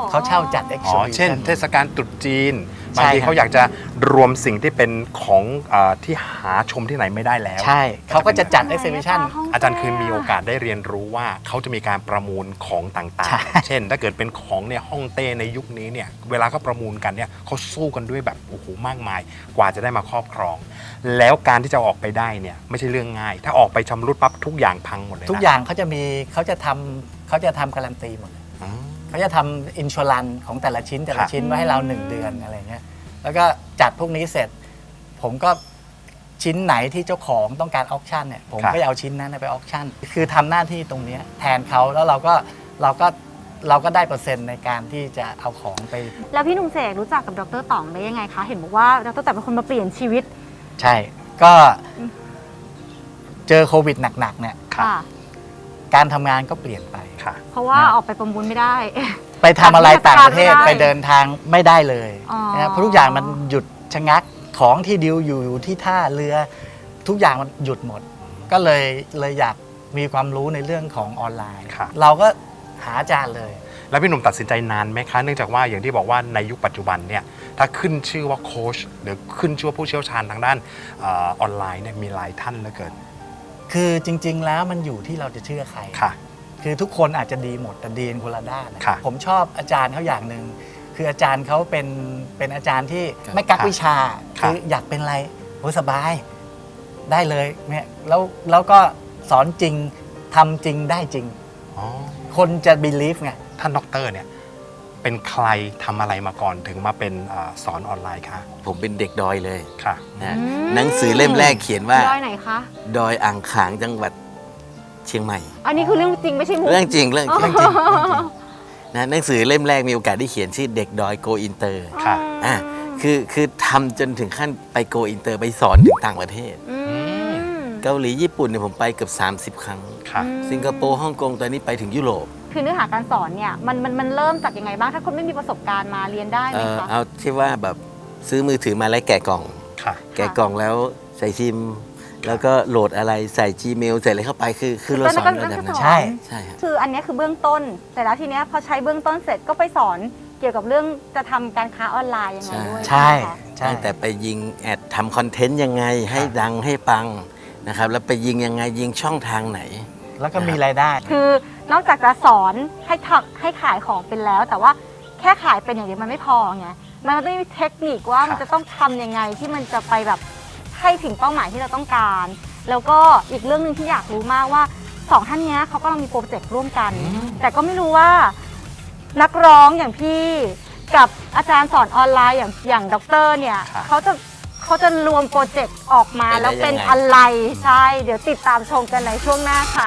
[SPEAKER 4] เขาเช่าจัด
[SPEAKER 2] อ๋อ
[SPEAKER 4] exhibition
[SPEAKER 2] เช่นเทศกาลตรุษจีน
[SPEAKER 4] ใช่
[SPEAKER 2] บางที
[SPEAKER 4] ครับ
[SPEAKER 2] เขาอยากจะรวมสิ่งที่เป็นของที่หาชมที่ไหนไม่ได้แล้ว
[SPEAKER 4] ใช่เขาก็จะจัด
[SPEAKER 3] ไหน
[SPEAKER 4] exhibition
[SPEAKER 3] คะห้ง
[SPEAKER 2] อาจารย์เคยมีโอกาสได้เรียนรู้ว่าเขาจะมีการประมูลของต่าง
[SPEAKER 4] ใช่
[SPEAKER 2] ๆ เช่น ถ้าเกิดเป็นของเนี่ยฮ่องเต้ในยุคนี้เนี่ยเวลาเขาประมูลกันเนี่ยเขาสู้กันด้วยแบบโอ้โหมากมายกว่าจะได้มาครอบครอง แล้วการที่จะออกไปได้เนี่ยไม่ใช่เรื่องง่าย ถ้าออกไปชำรุดปั๊บทุกอย่างพังหมดเลยนะ
[SPEAKER 4] ทุกอย่างเขาจะทำการันตีหมดเลย
[SPEAKER 2] อืม
[SPEAKER 4] เขาจะทำอินชัวรันของแต่ละชิ้นไว้ให้เรา 1 เดือนอะไรเงี้ยแล้วก็จัดพวกนี้เสร็จ ผมก็ชิ้นไหนที่เจ้าของต้องการออคชั่นเนี่ยผมก็จะเอาชิ้นนั้นไปออคชั่นคือทำหน้าที่ตรงเนี้ยแทนเขาแล้วเราก็ได้เปอร์เซ็นต์ในการที่จะเอาของไป
[SPEAKER 3] แล้วพี่หนุ่มเสกรู้จักกับดร.ต๋องได้ยังไงคะ เห็นบอกว่าดร.ต๋องเป็นคนมาเปลี่ยนชีวิต
[SPEAKER 4] ใช่ก็เจอโควิดหนักๆเนี่ย
[SPEAKER 3] ค่ะ
[SPEAKER 4] การทำงานก็เปลี่ยนไป
[SPEAKER 2] ค่ะ
[SPEAKER 3] เพราะว่าออกไปประมูลไม่ได้
[SPEAKER 4] ไปทำอะไรต่างประเทศ
[SPEAKER 3] ไม่ได้
[SPEAKER 4] ไปเดินทางไม่ได้เลย
[SPEAKER 3] อ๋อ
[SPEAKER 4] นะเพราะทุกอย่างมันหยุดชะงักของที่ดิวอยู่ที่ท่าเรือ ทุกอย่างมันหยุดหมด ก็เลยอยากมีความรู้ในเรื่องของออนไลน์
[SPEAKER 2] ครับ
[SPEAKER 4] เราก็หาอาจารย์เลย
[SPEAKER 2] แล้วพี่หนุ่มตัดสินใจนานไหมคะ เนื่องจากว่าอย่างที่บอกว่าในยุคปัจจุบันเนี่ยถ้าขึ้นชื่อว่าโค้ชหรือขึ้นชื่อว่าผู้เชี่ยวชาญทางด้านออนไลน์เนี่ยมีหลายท่านเหลือเกิน
[SPEAKER 4] คือจริง ๆ แล้วมันอยู่ที่เราจะเชื่อใคร
[SPEAKER 2] ค่ะ
[SPEAKER 4] คือทุกคนอาจจะดีหมดแต่ดีกันคนละด้านนะ
[SPEAKER 2] ค่ะ
[SPEAKER 4] ผมชอบอาจารย์เขาอย่างหนึ่งคืออาจารย์เขาเป็นอาจารย์ที่
[SPEAKER 5] ครับ
[SPEAKER 4] ไม่กักวิชา
[SPEAKER 2] ครับ
[SPEAKER 4] คืออยากเป็นอะไรโอ้สบายได้เลยเนี่ยแล้วก็สอนจริงทำจริงได้จริง
[SPEAKER 2] อ๋อ
[SPEAKER 4] คนจะ believe ไง
[SPEAKER 2] ท่านด็อกเตอร์เนี่ยเป็นใครทำอะไรมาก่อนถึงมาเป็นสอนออนไลน์คะ
[SPEAKER 5] ผมเป็นเด็กดอยเลย
[SPEAKER 2] ค่ะ
[SPEAKER 5] นะ
[SPEAKER 3] อืม
[SPEAKER 5] หนังสือเล่มแรกเขียนว่า
[SPEAKER 3] ดอยไหนคะ
[SPEAKER 5] ดอยอ่างขางจังหวัดเชียงใหม่
[SPEAKER 3] อันนี้คือเรื่องจริงไม่ใช่มุก
[SPEAKER 5] เรื่องจริงเรื่องจริงนะหนังสือเล่มแรกมีโอกาสได้เขียนชื่อเด็กดอยโกอินเตอร์
[SPEAKER 2] ค่ะ
[SPEAKER 5] อ่ะคือทำจนถึงขั้นไปโกอินเตอร์ไปสอนถึงต่างประเทศ
[SPEAKER 3] อืม
[SPEAKER 5] เกาหลีญี่ปุ่นเนี่ยผมไปเกือบ30 ครั้ง
[SPEAKER 2] ค่ะ
[SPEAKER 5] สิงคโปร์ฮ่องกงตอนนี้ไปถึงยุโรป
[SPEAKER 3] คือเนื้อหาการสอนเนี่ยมันเริ่มจากยังไงบ้าง ถ้าคนไม่มีประสบการณ์มาเรียนได้ไหมคะ
[SPEAKER 5] เอาที่ว่าแบบซื้อมือถือมาแล้วแกะกล่อง
[SPEAKER 2] ค่ะ
[SPEAKER 5] แกะกล่องแล้วใส่ซิม แล้วก็โหลดอะไรใส่ Gmail ใส่อะไรเข้าไปคือเราสอนระดับนั้น
[SPEAKER 4] ใช่
[SPEAKER 5] ใช่ฮะ
[SPEAKER 3] คืออันเนี้ยคือเบื้องต้น แต่แล้วทีเนี้ยพอใช้เบื้องต้นเสร็จก็ไปสอนเกี่ยวกับเรื่องจะทำการค้าออนไลน์ยังไงด้วย
[SPEAKER 4] ใช่
[SPEAKER 3] ไหมคะ
[SPEAKER 4] ใช่
[SPEAKER 5] ตั้งแต่ไปยิงแอดทำคอนเทนต์ยังไงให้ดังให้ปังนะครับแล้วไปยิงยังไงยิงช่องทางไหน
[SPEAKER 4] แล้วก็มีรายได้
[SPEAKER 3] คือนอกจากจะสอนให้ขายของเป็นแล้ว แต่ว่าแค่ขายเป็นอย่างเดียวมันไม่พอไงมันต้องมีเทคนิคว่ามันจะต้องทำยังไงที่มันจะไปแบบให้ถึงเป้าหมายที่เราต้องการ แล้วก็อีกเรื่องหนึ่งที่อยากรู้มากว่าสองท่านเนี้ยเขากำลังมีโปรเจกต์ร่วมกัน แต่ก็ไม่รู้ว่านักร้องอย่างพี่กับอาจารย์สอนออนไลน์อย่างด็อกเตอร์เนี่ย
[SPEAKER 2] ค่ะ
[SPEAKER 3] เขาจะรวมโปรเจกต์ออกมา
[SPEAKER 5] เป็นได้
[SPEAKER 3] แล้วเป็น
[SPEAKER 5] ยังไง
[SPEAKER 3] อะไรใช่ เดี๋ยวติดตามชมกันในช่วงหน้าค่ะ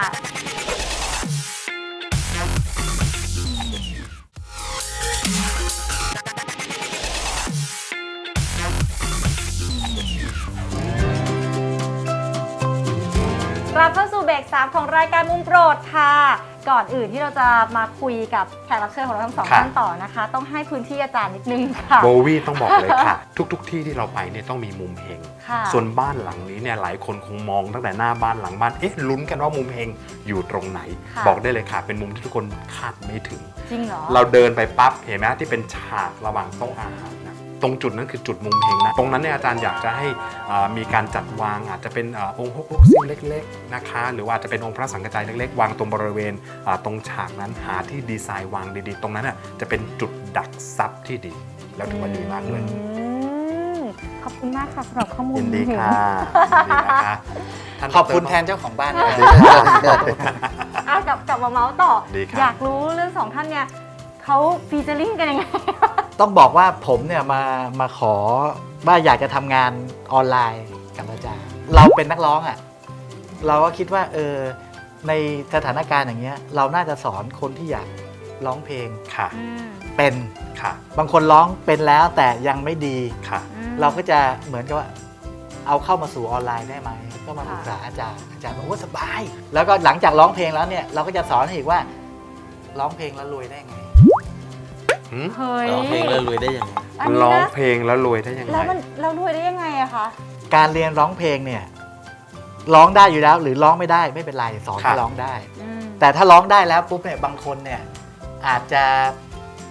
[SPEAKER 3] กลับเข้าสู่เบรก3ของรายการมุมโปรดค่ะ ก่อนอื่นที่เราจะมาคุยกับแขกรับเชิญของเราทั้งสอง
[SPEAKER 2] ค่ะ
[SPEAKER 3] ท่านต่อนะคะ ต้องให้พื้นที่อาจารย์นิดนึงค่ะ
[SPEAKER 2] โบวี่ต้องบอกเลยค่ะ ทุกที่ที่เราไปเนี่ยต้องมีมุมเฮง
[SPEAKER 3] ค่ะ
[SPEAKER 2] ส่วนบ้านหลังนี้เนี่ยหลายคนคงมองตั้งแต่หน้าบ้านหลังบ้านเอ๊ะลุ้นกันว่ามุมเฮงอยู่ตรงไหน
[SPEAKER 3] ค่ะ
[SPEAKER 2] บอกได้เลยค่ะ เป็นมุมที่ทุกคนคาดไม่ถึง
[SPEAKER 3] จริงเหรอ
[SPEAKER 2] เราเดินไปปั๊บเห็นไหมที่เป็นฉากระหว่างโต๊ะอาหารนะตรงจุดนั้นคือจุดมุมเฮงนะตรงนั้นเนี่ยอาจารย์อยากจะให้มีการจัดวางอาจจะเป็นองค์ฮกลกซิ่งเล็กๆนะคะหรือว่าอาจจะเป็นองค์พระสังฆจายเล็กๆวางตรงบริเวณตรงฉากนั้นหาที่ดีไซน์วางดีๆ ตรงนั้นน่ะจะเป็นจุดดักซับที่ดี แล้วถือว่าดีมากเลย
[SPEAKER 3] ขอบคุณมากค่ะสำหรับข้อมูล
[SPEAKER 2] ยินดีค่ะยินดีนะคะท่าน
[SPEAKER 4] ขอบคุณ
[SPEAKER 2] ดร
[SPEAKER 4] แทนเจ้าของบ้าน
[SPEAKER 2] สวัสดี
[SPEAKER 3] อ่ะกลับมาเมาส์ต่อ
[SPEAKER 2] ดีครับ
[SPEAKER 3] อยากรู้เรื่องสองท่านเนี่ยเขาฟีเจอริ่งกันยังไง
[SPEAKER 4] ต้องบอกว่าผมเนี่ยมาขอว่าอยากจะทำงานออนไลน์กับอาจารย์ เราเป็นนักร้องอ่ะเราก็คิดว่าในสถานการณ์อย่างเงี้ยเราน่าจะสอนคนที่อยากร้องเพลง
[SPEAKER 2] ค่ะ
[SPEAKER 4] เป็น
[SPEAKER 2] ค่ะ
[SPEAKER 4] บางคนร้องเป็นแล้วแต่ยังไม่ดี
[SPEAKER 2] ค่ะ
[SPEAKER 4] เราก็จะเหมือนกับว่าเอาเข้ามาสู่ออนไลน์ได้ไหมก็มาปรึกษาอาจารย์บอกว่าสบาย แล้วก็หลังจากร้องเพลงแล้วเนี่ยเราก็จะสอนให้อีกว่าร้องเพลงแล้วรวยได้ไง
[SPEAKER 3] เฮ้ย
[SPEAKER 5] ร้องเพลงแล้วรวยได้ยังไง
[SPEAKER 3] อันนี้
[SPEAKER 2] ร้อง
[SPEAKER 3] นะ
[SPEAKER 2] เพลงแล้วรวยได้ยังไง
[SPEAKER 3] แล้วมันเรารวยได้ยังไงอะคะ
[SPEAKER 4] การเรียนร้องเพลงเนี่ยร้องได้อยู่แล้วหรือร้องไม่ได้ไม่เป็นไรสอนให้ร้องได้ แต่ถ้าร้องได้แล้วปุ๊บเนี่ยบางคนเนี่ยอาจจะ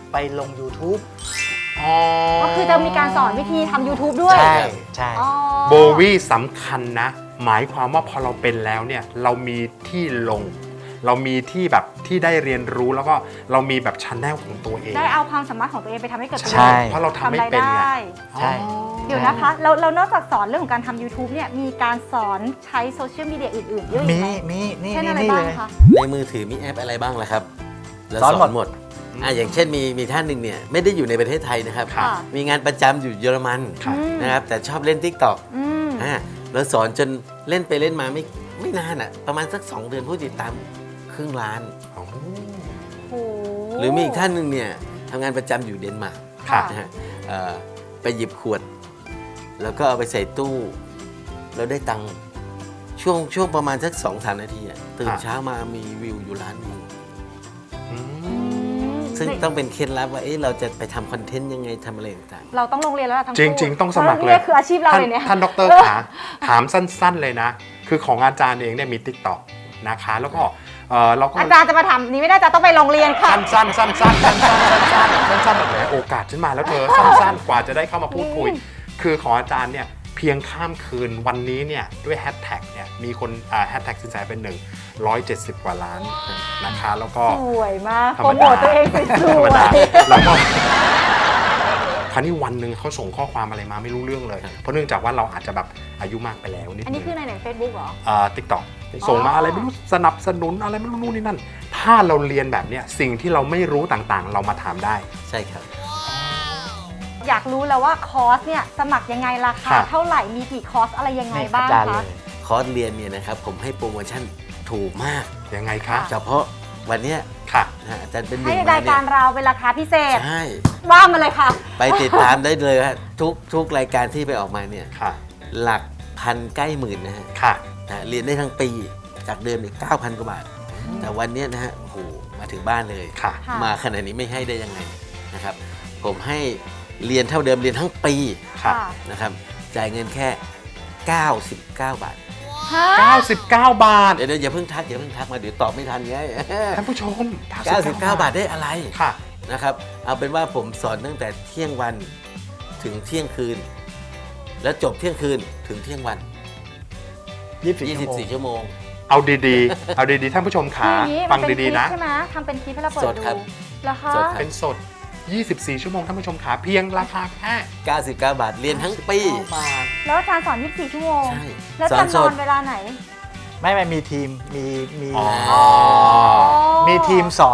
[SPEAKER 4] ไปลง YouTube
[SPEAKER 3] ก็คือจะมีการสอนวิธีทำ YouTube ด้วย
[SPEAKER 4] ใช่ใช่
[SPEAKER 3] อ๋อ
[SPEAKER 2] โบวี่สำคัญนะ หมายความว่าพอเราเป็นแล้วเนี่ยเรามีที่ลง เรามีที่แบบที่ได้เรียนรู้แล้วก็เรามีแบบชันแนลของตัวเอง
[SPEAKER 3] ได้เอาความสามารถของตัวเองไปทำให้เกิดประโย
[SPEAKER 4] ใช่
[SPEAKER 3] ชน์
[SPEAKER 2] เพราะเราทำไม่
[SPEAKER 3] ทำราย
[SPEAKER 2] เป็นไง
[SPEAKER 3] ได้
[SPEAKER 4] ใช่
[SPEAKER 3] เดี๋ยวนะคะเรานอกจากสอนเรื่องของการทำ YouTube เนี่ยมีการสอนใช้โซเชียลมีเดียอื่นๆเยอะอีกไหม
[SPEAKER 4] มีนี่
[SPEAKER 3] เช่นอะไร
[SPEAKER 4] นี่
[SPEAKER 3] บ้า
[SPEAKER 4] เล
[SPEAKER 3] ง
[SPEAKER 4] ย
[SPEAKER 3] คะ
[SPEAKER 5] ในมือถือมีแอปอะไรบ้างล่ะครับแล้ว
[SPEAKER 4] สอนหมด
[SPEAKER 5] หมดอย่างเช่นมีท่านหนึ่งเนี่ยไม่ได้อยู่ในประเทศไทยนะครับ
[SPEAKER 3] ค่ะ
[SPEAKER 5] มีงานประจำอยู่เยอรมัน
[SPEAKER 2] ครับ
[SPEAKER 5] นะครับแต่ชอบเล่น TikTok
[SPEAKER 3] อืม
[SPEAKER 5] แล้วสอนจนเล่นไปเล่นมาไม่นานอ่ะประมาณสัก 2 เดือนผู้ติดตามครึ่งล้าน
[SPEAKER 2] โอ้
[SPEAKER 3] โอ้
[SPEAKER 5] หรือมีอีกท่านหนึ่งเนี่ยทำงานประจำอยู่เดนมาร์ก
[SPEAKER 3] ค่ะ
[SPEAKER 5] นะฮะไปหยิบขวด แล้วก็เอาไปใส่ตู้ แล้วได้ตังค์ช่วงประมาณสัก 2-3 นาทีอะตื่นเช้ามามีวิวอยู่ล้านวิว
[SPEAKER 2] อืม
[SPEAKER 3] อืม
[SPEAKER 5] ซึ่งต้องเป็นเคล็ดลับว่าเราจะไปทำคอนเทนต์ยังไงทำอะไรต่าง
[SPEAKER 3] เราต้องลงเรียนแล้วล่ะทั้ง
[SPEAKER 2] จ
[SPEAKER 3] คู่
[SPEAKER 2] ริง ๆ ต้องสมัครเลย
[SPEAKER 3] นี่คืออาชีพเราเลยเนี่ย
[SPEAKER 2] ท่านดรขาถามสั้น ๆ เลยนะ คือของอาจารย์เองเนี่ยมี TikTok นะคะ แล้วก็เราก็
[SPEAKER 3] อาจารย์จะมาทำนี่ไม่ได้จะต้องไปโรงเรียนค่ะ
[SPEAKER 2] สั้นๆสั้นๆสั้นๆแบบไหนโอกาสฉันมาแล้วเธอสั้นๆ กว่าจะได้เข้ามาพูดคุย คือของอาจารย์เนี่ยเพียงข้ามคืนวันนี้เนี่ยด้วยแฮชแท็กเนี่ยมีคนแฮชแท็กสินแสเป็น170 กว่าล้านนะคะ แล้วก็
[SPEAKER 3] สวยมาก
[SPEAKER 2] ธร
[SPEAKER 3] โป
[SPEAKER 2] ร
[SPEAKER 3] ร
[SPEAKER 2] ม
[SPEAKER 3] โม
[SPEAKER 2] ดา
[SPEAKER 3] ทตัวเองส
[SPEAKER 2] ธร
[SPEAKER 3] ว
[SPEAKER 2] รม
[SPEAKER 3] ย
[SPEAKER 2] ดาแล้วก็คราวนี้วันหนึ่งเขาส่งข้อความอะไรมาไม่รู้เรื่องเลย เพราะเนื่องจากว่าเราอาจจะแบบอายุมากไปแล้วนิด
[SPEAKER 3] อัน
[SPEAKER 2] นึ
[SPEAKER 3] นี้
[SPEAKER 2] ง
[SPEAKER 3] คือในไหนเฟซบุ๊กเหรอ
[SPEAKER 2] ติ๊กต็อกส่งมาอะไรไม่รู้สนับสนุนอะไรไม่รู้นู่นนี่นั่น ถ้าเราเรียนแบบเนี้ยสิ่งที่เราไม่รู้ต่างๆ เรามาถามได้
[SPEAKER 5] ๆ ใช่ครับ
[SPEAKER 3] อยากรู้แล้วว่าคอร์สเนี่ยสมัครยังไงราคา
[SPEAKER 2] ค่ะ
[SPEAKER 3] เท่าไหร่มีกี่คอร์สอะไรยังไง
[SPEAKER 4] นี่
[SPEAKER 3] บ้าง
[SPEAKER 4] อาจารย์
[SPEAKER 3] คะ
[SPEAKER 4] เลย
[SPEAKER 5] คอร์สเรียนเนี่ยนะครับผมให้โปรโมชั่นถูกมาก
[SPEAKER 2] ยังไงคะ
[SPEAKER 5] เฉพาะวันเนี้ย
[SPEAKER 2] ค่ะ
[SPEAKER 5] นะฮะอาจารย์เป็นห
[SPEAKER 3] ให้
[SPEAKER 5] นึ่ง
[SPEAKER 3] ราย
[SPEAKER 5] เนี่
[SPEAKER 3] การ
[SPEAKER 5] ย
[SPEAKER 3] เราเป็นราคาพิเศษ
[SPEAKER 5] ใช่
[SPEAKER 3] ว่ามาเลยค่ะ
[SPEAKER 5] ไปติดตามได้เลยฮะทุกรายการที่ไปออกมาเนี่ย
[SPEAKER 2] ค่ะ
[SPEAKER 5] หลักพันใกล้หมื่นนะฮะ
[SPEAKER 2] ค่ะ
[SPEAKER 5] เรียนได้ทั้งปีจากเดิมเนี่ย9,000 กว่าบาท แต่วันเนี้ยนะฮะโอ้โหมาถึงบ้านเลย
[SPEAKER 2] ค่ะ
[SPEAKER 3] ค่ะ
[SPEAKER 5] มาขนาดนี้ไม่ให้ได้ยังไงนะครับ ผมให้เรียนเท่าเดิมเรียนทั้งปี
[SPEAKER 2] ค่ะ
[SPEAKER 5] นะครับจ่ายเงินแค่ 99 บาท
[SPEAKER 3] ฮะ
[SPEAKER 2] 99 บาท
[SPEAKER 5] เดี๋ยวอย่าเพิ่งทักมาเดี๋ยวตอบไม่ทันไง
[SPEAKER 2] ท่านผู้ชม
[SPEAKER 5] 99 บาทได้อะไร
[SPEAKER 2] ค่ะ
[SPEAKER 5] นะครับเอาเป็นว่าผมสอนตั้งแต่เที่ยงวันถึงเที่ยงคืน แล้วจบเที่ยงคืนถึงเที่ยงวัน
[SPEAKER 4] 24
[SPEAKER 5] 24 ชั่วโมง
[SPEAKER 2] เอาดีๆ เอาดีๆ ท่านผู้ชมขา
[SPEAKER 3] คืออย่างนี้
[SPEAKER 2] ฟั
[SPEAKER 3] มั
[SPEAKER 2] ง
[SPEAKER 3] นเป็นค
[SPEAKER 2] ดี
[SPEAKER 3] ลิป
[SPEAKER 2] ๆ นะ
[SPEAKER 3] ใช่ไหมทำเป็นคลิปให้เราเปิด
[SPEAKER 5] สด
[SPEAKER 3] ดู
[SPEAKER 5] ครับ
[SPEAKER 3] แล้วคะ
[SPEAKER 5] สดครับ
[SPEAKER 2] เป็นสด 24 ชั่วโมง ท่านผู้ชมขาเพียงราคาแค่
[SPEAKER 5] 99 บาทเรียนทั้งปี
[SPEAKER 2] บาท
[SPEAKER 3] แล้วอาจารย์สอน 24 ชั่วโมง
[SPEAKER 5] ใช่
[SPEAKER 3] แล้ว
[SPEAKER 5] สอ
[SPEAKER 3] อาน จารย์
[SPEAKER 5] ส
[SPEAKER 3] นอ
[SPEAKER 5] ด
[SPEAKER 3] นเวลาไหน
[SPEAKER 4] ไม่มีทีมมี
[SPEAKER 2] อ๋อ
[SPEAKER 4] มีทีมสอน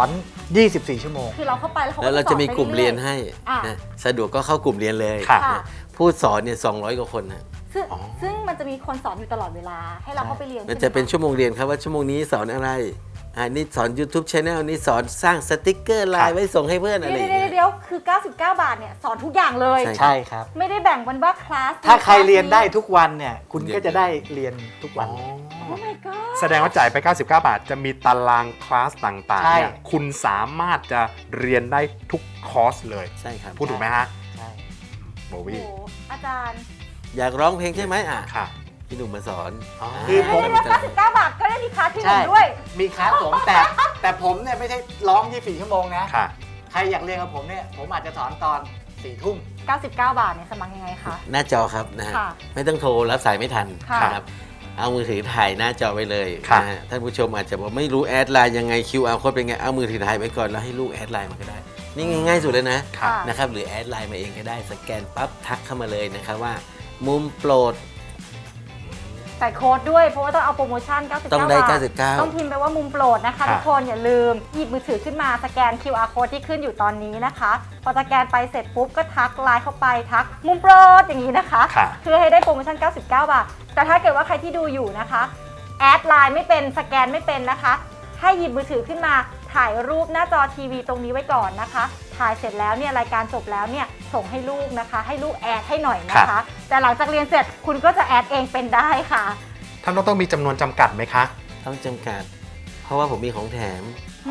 [SPEAKER 4] 24 ชั่วโมง
[SPEAKER 3] คือเราเข้าไปแล้วเขา
[SPEAKER 5] แล้วเราจะมีกลุ่มเรียน
[SPEAKER 3] ให้
[SPEAKER 5] ให้
[SPEAKER 3] อ่ะ
[SPEAKER 5] นะสะดวกก็เข้ากลุ่มเรียนเลย
[SPEAKER 2] ค่ะ
[SPEAKER 3] ค่ะ
[SPEAKER 5] ผู้สอนเนี่ย200 กว่าคนนะ
[SPEAKER 3] ซึ่ง
[SPEAKER 2] อ๋อ
[SPEAKER 3] ซึ่งมันจะมีคนสอนอยู่ตลอดเวลา ให้เราเข้าไปเรียน
[SPEAKER 5] มันจะเป็น
[SPEAKER 3] ใช่
[SPEAKER 5] ชั่วโมงเรียนครับว่าชั่วโมงนี้สอนอะไรนี่สอน YouTube Channel นี่สอนสร้างสติกเกอร์ไลน์ไว้ส่งให้เพื่อน
[SPEAKER 3] ไหม
[SPEAKER 5] อะไรอย่าง
[SPEAKER 3] เดี๋
[SPEAKER 5] เงี้
[SPEAKER 3] ยวย เดี๋ยวคือ 99 บาทเนี่ยสอนทุกอย่างเลย
[SPEAKER 5] ใช่
[SPEAKER 4] ใช่ครับ
[SPEAKER 3] ไม่ได้แบ่งวันว่าคลาส
[SPEAKER 4] ถ้าใครเรียนได้ทุกวันเนี่ย คุณก็จะได้เรียนทุกวัน
[SPEAKER 3] โอ้ my god
[SPEAKER 2] แสดงว่าจ่ายไป 99 บาท จะมีตารางคลาสต่างๆ
[SPEAKER 4] ใช่
[SPEAKER 2] เนี่ยคุณสามารถจะเรียนได้ทุกคอร์สเลย
[SPEAKER 5] ใช่ครับ
[SPEAKER 2] พูดถูกไหมฮะ
[SPEAKER 4] ใช่
[SPEAKER 2] โบ
[SPEAKER 3] โอ้
[SPEAKER 2] วี่
[SPEAKER 3] โหอาจารย์
[SPEAKER 5] อยากร้องเพลงใช่ไหม
[SPEAKER 2] ค่ะ
[SPEAKER 5] พี่หนุ่มมาสอน
[SPEAKER 2] อ๋อ
[SPEAKER 4] คือผม
[SPEAKER 3] ไม่ได้99 บาทก็ได้มีคลาสที่หนึ่ง
[SPEAKER 4] ใช่
[SPEAKER 3] ด้วย
[SPEAKER 4] มีคลาสผมแต่ผมเนี่ยไม่ใช่ร้อง 24 ชั่วโมงนะ
[SPEAKER 2] ค่ะ
[SPEAKER 4] ใครอยากเรียนกับผมเนี่ย ผมอาจจะสอนตอน 4 ทุ่ม
[SPEAKER 3] 99 บาทเนี่ยสมัครยังไงคะ
[SPEAKER 5] หน้าจอครับนะฮะ
[SPEAKER 3] ค่ะ
[SPEAKER 5] ไม่ต้องโทรรับสายไม่ทัน
[SPEAKER 3] ค่ะ
[SPEAKER 5] นะครับเอามือถือถ่ายหน้าจอไว้เลย
[SPEAKER 2] ค่ะ
[SPEAKER 5] นะฮะท่านผู้ชมอาจจะบอกไม่รู้แอดไลน์ยังไง QR โค้ดเป็นไงเอามือถือถ่ายไว้ก่อนแล้วให้ลูกแอดไลน์มาก็ได้ นี่ง่ายๆสุดเลยนะ
[SPEAKER 2] ค่ะ
[SPEAKER 5] นะครับหรือแอดไลน์มาเองก็ได้สแกนปั๊บทักเข้ามาเลยนะครับว่า มุมโปรด
[SPEAKER 3] ใส่โค้ดด้วยเพราะว่าต้องเอาโปรโมชั่น 99
[SPEAKER 5] ต้องได้
[SPEAKER 3] บาท
[SPEAKER 5] 99
[SPEAKER 3] ต้องพิมพ์ไปว่ามุมโปรดนะคะ
[SPEAKER 2] ค่ะ
[SPEAKER 3] ทุกคนอย่าลืมหยิบมือถือขึ้นมาสแกน QR code ที่ขึ้นอยู่ตอนนี้นะคะ พอสแกนไปเสร็จปุ๊บก็ทักไลน์เข้าไปทักมุมโปรดอย่างนี้นะคะ
[SPEAKER 2] ค่ะ
[SPEAKER 3] เพื่อให้ได้โปรโมชั่น 99 บาท แต่ถ้าเกิดว่าใครที่ดูอยู่นะคะแอดไลน์ไม่เป็นสแกนไม่เป็นนะคะ ให้หยิบมือถือขึ้นมาถ่ายรูปหน้าจอทีวีตรงนี้ไว้ก่อนนะคะ ถ่ายเสร็จแล้วเนี่ยรายการจบแล้วเนี่ยส่งให้ลูกนะคะ ให้ลูกแอดให้หน่อยนะคะ แต่หลังจากเรียนเสร็จคุณก็จะแอดเองเป็นได้ค่ะ
[SPEAKER 2] ท่านต้องมีจำนวนจำกัดไหมคะ
[SPEAKER 5] ต้องจำกัด เพราะว่าผมมีของแถม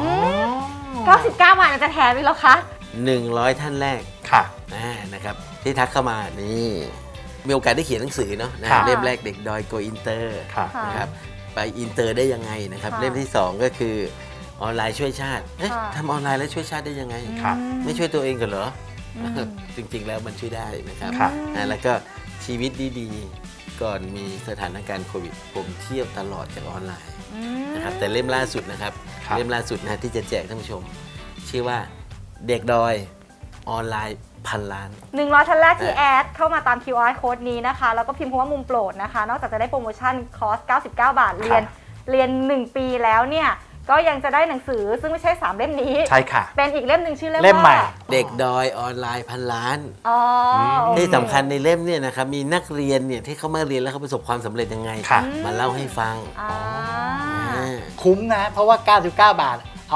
[SPEAKER 3] 99 บาทจะแถมอีกแล้วคะ
[SPEAKER 5] 100 ท่านแรก
[SPEAKER 2] ค่ะ
[SPEAKER 5] นะครับที่ทักเข้ามานี่มีโอกาสได้เขียนหนังสือเนาะนะ
[SPEAKER 2] ค่ะ
[SPEAKER 5] เล่มแรกเด็กดอยโกอินเตอร์
[SPEAKER 2] ค่ะ
[SPEAKER 3] ค่ะ
[SPEAKER 5] นะครับไปอินเตอร์ได้ยังไงนะครับ
[SPEAKER 3] ค่ะ
[SPEAKER 5] เล่มที่ 2 ก็คือออนไลน์ช่วยชาติเอ๊ะ
[SPEAKER 3] ค่ะ
[SPEAKER 5] ทำออนไลน์แล้วช่วยชาติได้ยังไง
[SPEAKER 2] ครับ
[SPEAKER 5] ไม่ช่วยตัวเองกันเหรอ
[SPEAKER 3] อืม
[SPEAKER 5] จริงๆแล้วมันช่วยได้นะครับ
[SPEAKER 2] ครับ
[SPEAKER 5] แล้วก็ชีวิตดีๆก่อนมีสถานการณ์โควิด ผมเที่ยวตลอดจากออนไลน์
[SPEAKER 3] อืม
[SPEAKER 5] นะครับแต่เล่มล่าสุดนะครับ
[SPEAKER 2] ครับ
[SPEAKER 5] เล่มล่าสุดนะที่จะแจกท่านผู้ชม ชื่อว่าเด็กดอยออนไลน์พันล้าน
[SPEAKER 3] 100ท่านแรกที่แอดเข้ามาตาม QR code นี้นะคะ แล้วก็พิมพ์คำว่ามุมโปรดนะคะ นอกจากจะได้โปรโมชั่นคอร์ส 99 บาท เรียน 1 ปีแล้วเนี่ย ก็ยังจะได้หนังสือซึ่งไม่ใช่ 3 เล่มนี้
[SPEAKER 2] ใช่ค่ะ
[SPEAKER 3] เป็นอีกเล่มหนึ่งชื่อเล่ม
[SPEAKER 4] เล่มใหม่
[SPEAKER 3] ว่า
[SPEAKER 5] เด็กดอยออนไลน์พันล้าน
[SPEAKER 3] อ๋อโอเค
[SPEAKER 5] ที่สำคัญในเล่มเนี่ยนะครับมีนักเรียนเนี่ยที่เขามาเรียนแล้วเขาประสบความสำเร็จยังไง
[SPEAKER 2] ค่ะ
[SPEAKER 5] มาเล่าให้ฟัง
[SPEAKER 3] อ่า
[SPEAKER 4] คุ้มนะ เพราะว่า 99 บาท เอา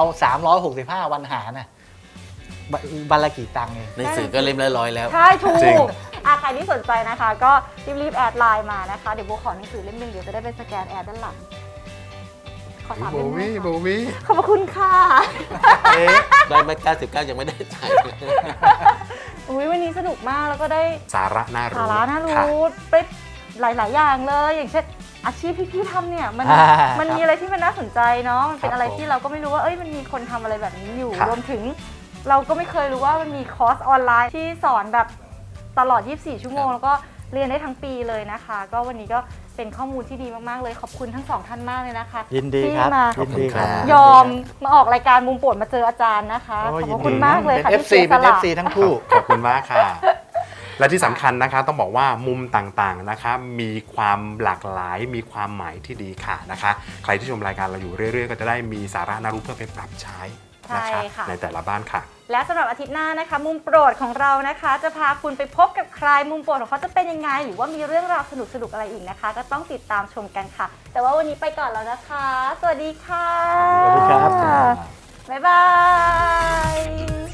[SPEAKER 4] 365 วันหารนะวันละกี่ตังค์เอง
[SPEAKER 5] หนังสือก็เล่มละร้อยแล้ว
[SPEAKER 3] ใช่ถู
[SPEAKER 2] จริง
[SPEAKER 3] กใครที่สนใจนะคะ ก็รีบๆแอดไลน์มานะคะ เดี๋ยวโบขอหนังสือเล่มหนึงเดี๋ยวจะได้ไปสแกนแอดด้านหลัง ขอ 3
[SPEAKER 2] โบ
[SPEAKER 3] เล่ม
[SPEAKER 2] วี่
[SPEAKER 3] นะ
[SPEAKER 2] โบ
[SPEAKER 3] คะ
[SPEAKER 2] วี่
[SPEAKER 3] ขอบพระคุณค่ะ
[SPEAKER 2] เอ๊ะ
[SPEAKER 5] ได้มา99ยังไม่ได้จ่าย
[SPEAKER 3] อุ๊ยวันนี้สนุกมากแล้วก็ได้
[SPEAKER 2] สาระน่ารู้
[SPEAKER 3] สาระน่า
[SPEAKER 2] ค่ะ
[SPEAKER 3] รู้ไปหลาย ๆ อย่างเลย อย่างเช่นอาชีพที่พี่ทำเนี่ยมัน มัน
[SPEAKER 4] ครับ
[SPEAKER 3] มีอะไรที่มันน่าสนใจเนาะมันเป็น
[SPEAKER 4] ครับ
[SPEAKER 3] อะไร
[SPEAKER 4] ผม
[SPEAKER 3] ที่เราก็ไม่รู้ว่าเอ้ยมันมีคนทำอะไรแบบนี้อยู่
[SPEAKER 2] ครับ
[SPEAKER 3] รวมถึง เราก็ไม่เคยรู้ว่ามันมีคอร์สออนไลน์ที่สอนแบบตลอด 24 ชั่วโมง แล้วก็เรียนได้ทั้งปีเลยนะคะ ก็วันนี้ก็เป็นข้อมูลที่ดีมาก ๆ เลยขอบคุณทั้งสองท่านมากเลยนะคะ
[SPEAKER 4] ยินดีครับ
[SPEAKER 3] ที่มา
[SPEAKER 4] ยินดีครับ
[SPEAKER 3] ยอมมาออกรายการมุมโปรดมาเจออาจารย์นะคะ
[SPEAKER 4] โอ้
[SPEAKER 3] ขอบ
[SPEAKER 4] ยิน
[SPEAKER 3] คุ
[SPEAKER 4] ดี
[SPEAKER 3] ณมากเลยค่ะ
[SPEAKER 4] เป็น
[SPEAKER 3] ที่เสีย
[SPEAKER 4] FC
[SPEAKER 3] ส
[SPEAKER 4] เป็น
[SPEAKER 3] ละ
[SPEAKER 4] FC ทั้งคู่
[SPEAKER 2] ขอบคุณมากค่ะ และที่สำคัญนะคะต้องบอกว่ามุมต่างๆนะคะมีความหลากหลายมีความหมายที่ดีค่ะนะคะ ใครที่ชมรายการเราอยู่เรื่อยๆ ก็จะได้มีสาระน่ารู้เพื่อไปปรับใช้นะคะ
[SPEAKER 3] ใช่ค่ะ
[SPEAKER 2] ในแต่ละบ้านค่ะ
[SPEAKER 3] และสำหรับอาทิตย์หน้านะคะ มุมโปรดของเรานะคะ จะพาคุณไปพบกับใครมุมโปรดของเขาจะเป็นยังไง หรือว่ามีเรื่องราวสนุกๆอะไรอีกนะคะ ก็ต้องติดตามชมกันค่ะ แต่ว่าวันนี้ไปก่อนแล้วนะคะ สวัสดีค่ะ
[SPEAKER 4] สวัสดีครับ
[SPEAKER 3] บ๊ายบาย